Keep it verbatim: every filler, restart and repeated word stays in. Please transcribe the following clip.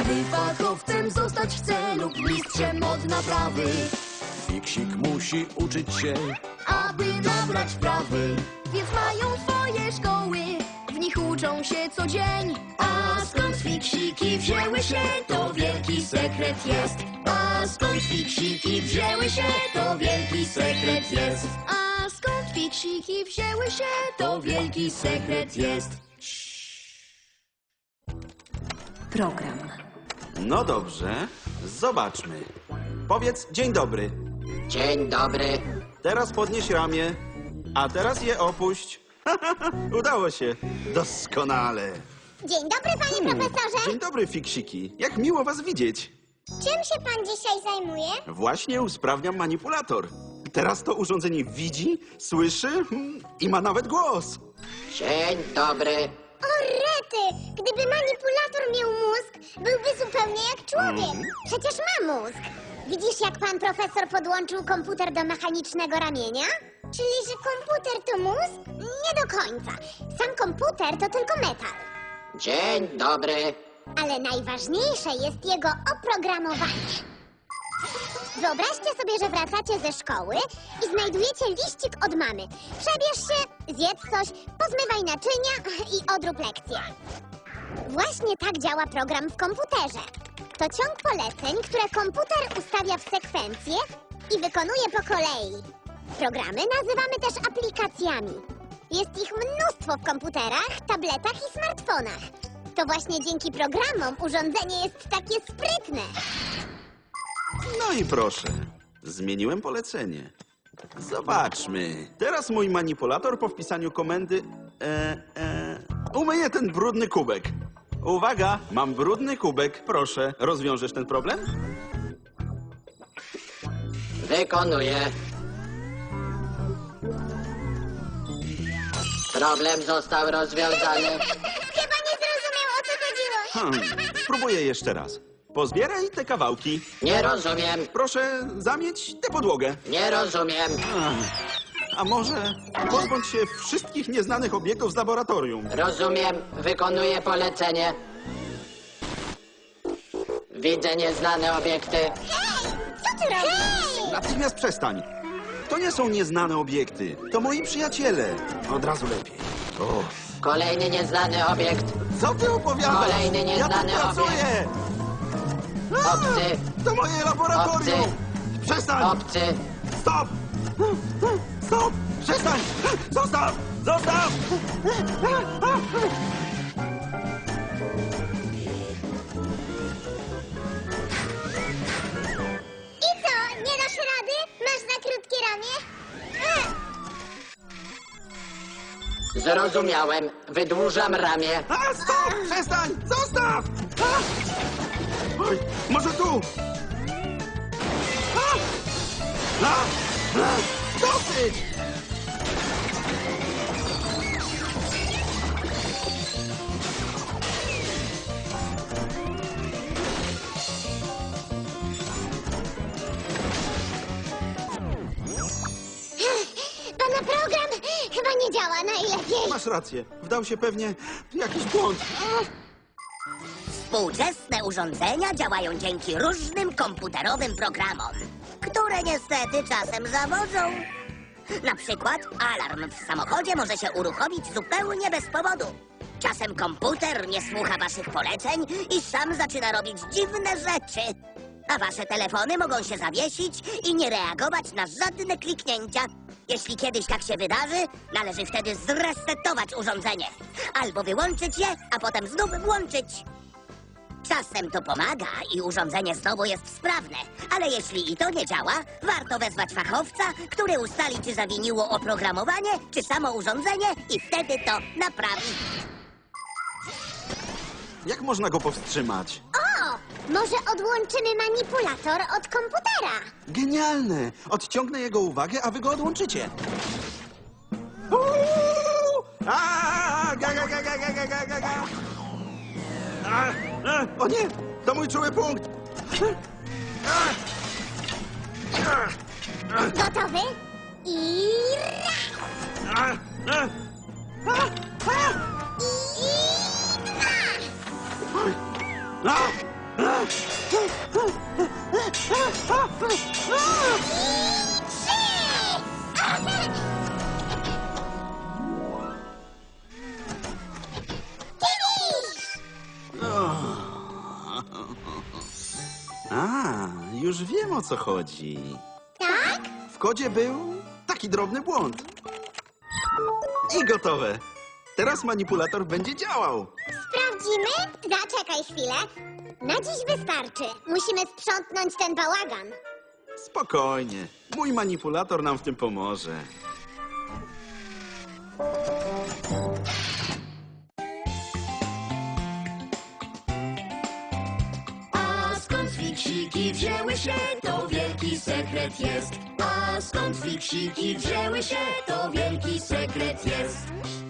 Gdy fachowcem zostać chce lub mistrzem od naprawy, Fiksik musi uczyć się, aby nabrać wprawy. Więc mają swoje szkoły, w nich uczą się co dzień. A skąd fiksiki wzięły się, to wielki sekret jest. A skąd fiksiki wzięły się, to wielki sekret jest. A skąd fiksiki wzięły się, to wielki sekret jest. Program. No dobrze, zobaczmy. Powiedz dzień dobry. Dzień dobry. Teraz podnieś ramię, a teraz je opuść. Udało się. Doskonale. Dzień dobry, panie profesorze. Dzień dobry, fiksiki. Jak miło was widzieć. Czym się pan dzisiaj zajmuje? Właśnie usprawniam manipulator. Teraz to urządzenie widzi, słyszy hmm, i ma nawet głos. Dzień dobry. O rety! Gdyby manipulator miał mózg, byłby zupełnie jak człowiek. Przecież ma mózg. Widzisz, jak pan profesor podłączył komputer do mechanicznego ramienia? Czyli, że komputer to mózg? Nie do końca. Sam komputer to tylko metal. Dzień dobry. Ale najważniejsze jest jego oprogramowanie. Wyobraźcie sobie, że wracacie ze szkoły i znajdujecie liścik od mamy. Przebierz się, zjedz coś, pozmywaj naczynia i odrób lekcję. Właśnie tak działa program w komputerze. To ciąg poleceń, które komputer ustawia w sekwencje i wykonuje po kolei. Programy nazywamy też aplikacjami. Jest ich mnóstwo w komputerach, tabletach i smartfonach. To właśnie dzięki programom urządzenie jest takie sprytne. No i proszę, zmieniłem polecenie. Zobaczmy. Teraz mój manipulator po wpisaniu komendy e, e, umyje ten brudny kubek. Uwaga, mam brudny kubek. Proszę, rozwiążesz ten problem? Wykonuję. Problem został rozwiązany. Chyba nie zrozumiał, o co chodziło. Hmm, spróbuję jeszcze raz. Pozbieraj te kawałki. Nie rozumiem. Proszę zamieć tę podłogę. Nie rozumiem. A może pozbądź się wszystkich nieznanych obiektów z laboratorium. Rozumiem. Wykonuję polecenie. Widzę nieznane obiekty. Hej, co ty robisz? Natychmiast przestań. To nie są nieznane obiekty. To moi przyjaciele. Od razu lepiej. O, Kolejny nieznany obiekt. co ty opowiadasz? Kolejny nieznany ja tu pracuję. A, Obcy. to moje laboratorium. Obcy. Przestań. Obcy. Stop. Stop. Przestań. Zostaw. Zostaw. I co, nie dasz rady? Masz za krótkie ramię? E, Zrozumiałem. Wydłużam ramię. A, stop. Przestań. Zostaw. A. Oj, może tu. A. A. A. Dosyć. Pana program chyba nie działa najlepiej. Masz rację. Wdał się pewnie w jakiś błąd. Współczesne urządzenia działają dzięki różnym komputerowym programom, które niestety czasem zawodzą. Na przykład alarm w samochodzie może się uruchomić zupełnie bez powodu. Czasem komputer nie słucha waszych poleceń i sam zaczyna robić dziwne rzeczy. A wasze telefony mogą się zawiesić i nie reagować na żadne kliknięcia. Jeśli kiedyś tak się wydarzy, należy wtedy zresetować urządzenie. Albo wyłączyć je, a potem znów włączyć. Czasem to pomaga i urządzenie znowu jest sprawne. Ale jeśli i to nie działa, warto wezwać fachowca, który ustali, czy zawiniło oprogramowanie, czy samo urządzenie i wtedy to naprawi. Jak można go powstrzymać? O, może odłączymy manipulator od komputera? Genialne! Odciągnę jego uwagę, a wy go odłączycie. Uuu! A, ga, ga, ga, ga, ga, ga, ga, ga, ga. A, a, o nie! To mój czuły punkt! A, a, a, Gotowy? I raz! a, a, a, a. I dwa! A, a, już wiem, o co chodzi. Tak? W kodzie był taki drobny błąd. I gotowe. Teraz manipulator będzie działał. Sprawdzimy? Zaczekaj chwilę. Na dziś wystarczy. Musimy sprzątnąć ten bałagan. Spokojnie. Mój manipulator nam w tym pomoże. A skąd fiksiki wzięły się, to wielki sekret jest. A skąd fiksiki wzięły się, to wielki sekret jest.